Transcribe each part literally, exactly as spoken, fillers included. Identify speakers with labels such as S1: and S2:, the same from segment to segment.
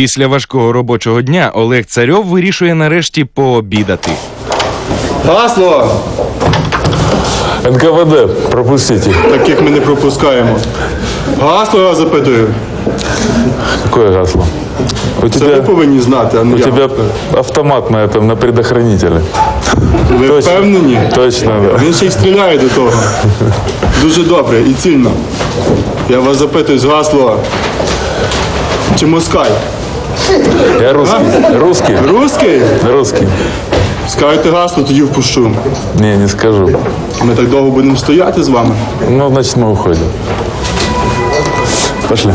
S1: Після важкого робочого дня Олег Царьов вирішує нарешті пообідати.
S2: Гасло!
S3: ен ка ве де, пропустите.
S2: Таких ми не пропускаємо. Гасло я запитую.
S3: Какое гасло? У
S2: Це ви
S3: тебя,
S2: повинні знати, а не
S3: у
S2: я.
S3: тебя автомат на этом, на предохранителе.
S2: Ви
S3: Точно.
S2: впевнені?
S3: Точно, да.
S2: Він ще й стріляє до того. Дуже добре і цільно. Я вас запитую з гасло. Чи москаль?
S3: Я русский. Русский?
S2: Русський?
S3: Русский.
S2: Скажете гасло, тоді впущу.
S3: Не, не скажу.
S2: Ми так довго будемо стояти з вами.
S3: Ну, значит, мы уходим. Пошли.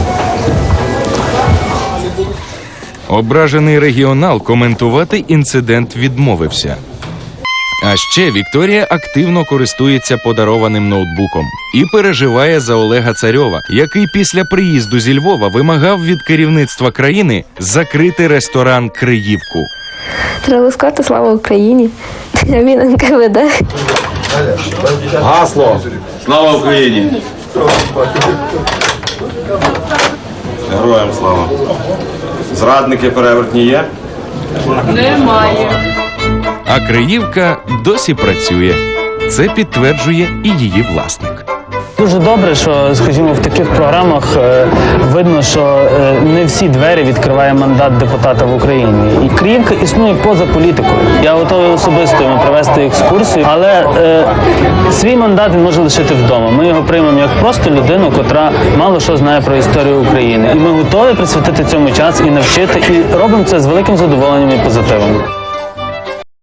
S1: Ображений регіонал коментувати інцидент відмовився. А ще Вікторія активно користується подарованим ноутбуком і переживає за Олега Царьова, який після приїзду зі Львова вимагав від керівництва країни закрити ресторан «Криївку».
S4: Треба сказати слава Україні. А він ен ка ве де.
S5: Гасло! Слава Україні! Героям слава! Зрадники перевертні є?
S1: А «Криївка» досі працює. Це підтверджує і її власник.
S6: Дуже добре, що, скажімо, в таких програмах е, видно, що е, не всі двері відкриває мандат депутата в Україні. І Криївка існує поза політикою. Я готовий особисто йому провести екскурсію, але е, свій мандат він може лишити вдома. Ми його приймемо як просто людину, котра мало що знає про історію України. І ми готові присвятити цьому час і навчити, і робимо це з великим задоволенням і позитивом.